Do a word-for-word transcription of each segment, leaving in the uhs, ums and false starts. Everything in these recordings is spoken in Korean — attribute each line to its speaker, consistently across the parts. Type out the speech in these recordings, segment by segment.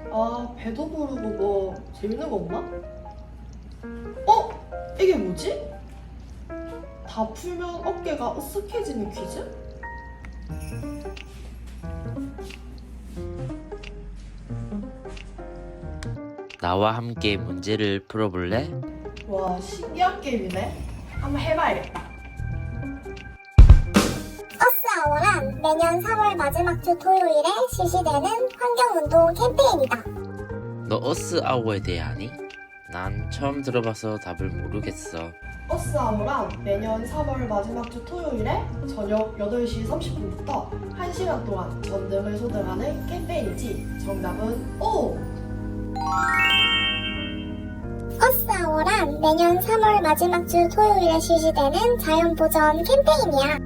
Speaker 1: 아, 배도 부르고 뭐 재밌는 거 없나? 어? 이게 뭐지? 다 풀면 어깨가 으쓱해지는 퀴즈?
Speaker 2: 나와 함께 문제를 풀어볼래?
Speaker 1: 와, 신기한 게임이네. 한번 해봐야겠다.
Speaker 3: 어스아워란 매년 삼월 마지막 주 토요일에 실시되는 환경운동 캠페인이다.
Speaker 2: 너 어스아워에 대해 아니? 난 처음 들어봐서 답을 모르겠어.
Speaker 1: 어스아모란 매년 삼월 마지막 주 토요일에 저녁 여덟 시 삼십 분부터 한 시간 동안 전등을 소등하는 캠페인이지. 정답은 O!
Speaker 3: 어스아워란 매년 삼월 마지막 주 토요일에 실시되는 자연보전 캠페인이야.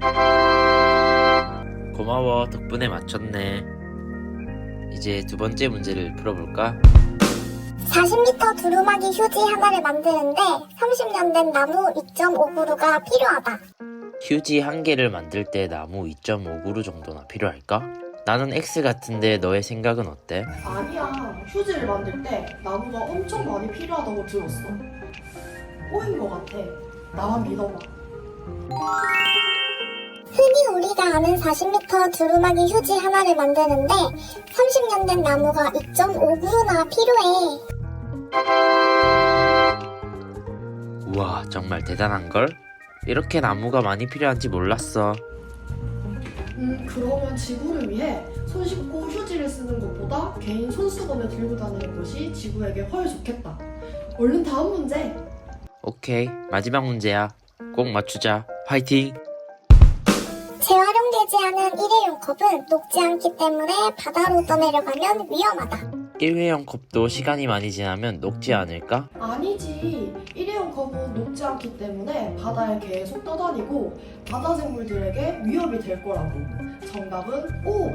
Speaker 2: 고마워, 덕분에 맞췄네. 이제 두 번째 문제를 풀어볼까?
Speaker 3: 사십 미터 두루마기 휴지 하나를 만드는데 삼십 년 된 나무 이 점 오 그루가 필요하다.
Speaker 2: 휴지 한 개를 만들 때 나무 이 점 오 그루 정도나 필요할까? 나는 X 같은데 너의 생각은 어때?
Speaker 1: 아니야. 휴지를 만들 때 나무가 엄청 많이 필요하다고 들었어. O인 것 같아. 나만 믿어봐.
Speaker 3: 흔히 우리가 아는 사십 미터 두루마기 휴지 하나를 만드는데 삼십 년 된 나무가 이 점 오 그루나 필요해.
Speaker 2: 우와, 정말 대단한걸? 이렇게 나무가 많이 필요한지 몰랐어.
Speaker 1: 음, 그러면 지구를 위해 손 씻고 휴지를 쓰는 것보다 개인 손수건을 들고 다니는 것이 지구에게 훨 좋겠다. 얼른 다음 문제.
Speaker 2: 오케이, 마지막 문제야. 꼭 맞추자. 화이팅!
Speaker 3: 재활용되지 않은 일회용 컵은 녹지 않기 때문에 바다로 떠내려가면 위험하다.
Speaker 2: 일회용 컵도 시간이 많이 지나면 녹지 않을까?
Speaker 1: 아니지. 일회용 컵은 녹지 않기 때문에 바다에 계속 떠다니고 바다 생물들에게 위협이 될 거라고. 정답은 O.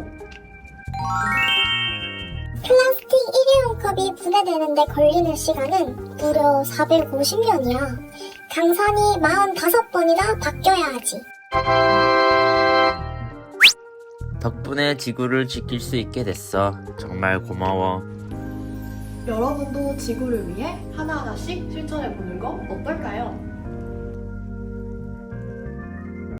Speaker 3: 플라스틱 일회용 컵이 분해되는데 걸리는 시간은 무려 사백오십 년이야. 강산이 사십오 번이나 바뀌어야 하지.
Speaker 2: 덕분에 지구를 지킬 수 있게 됐어. 정말 고마워.
Speaker 1: 여러분도 지구를 위해 하나하나씩 실천해보는 거 어떨까요?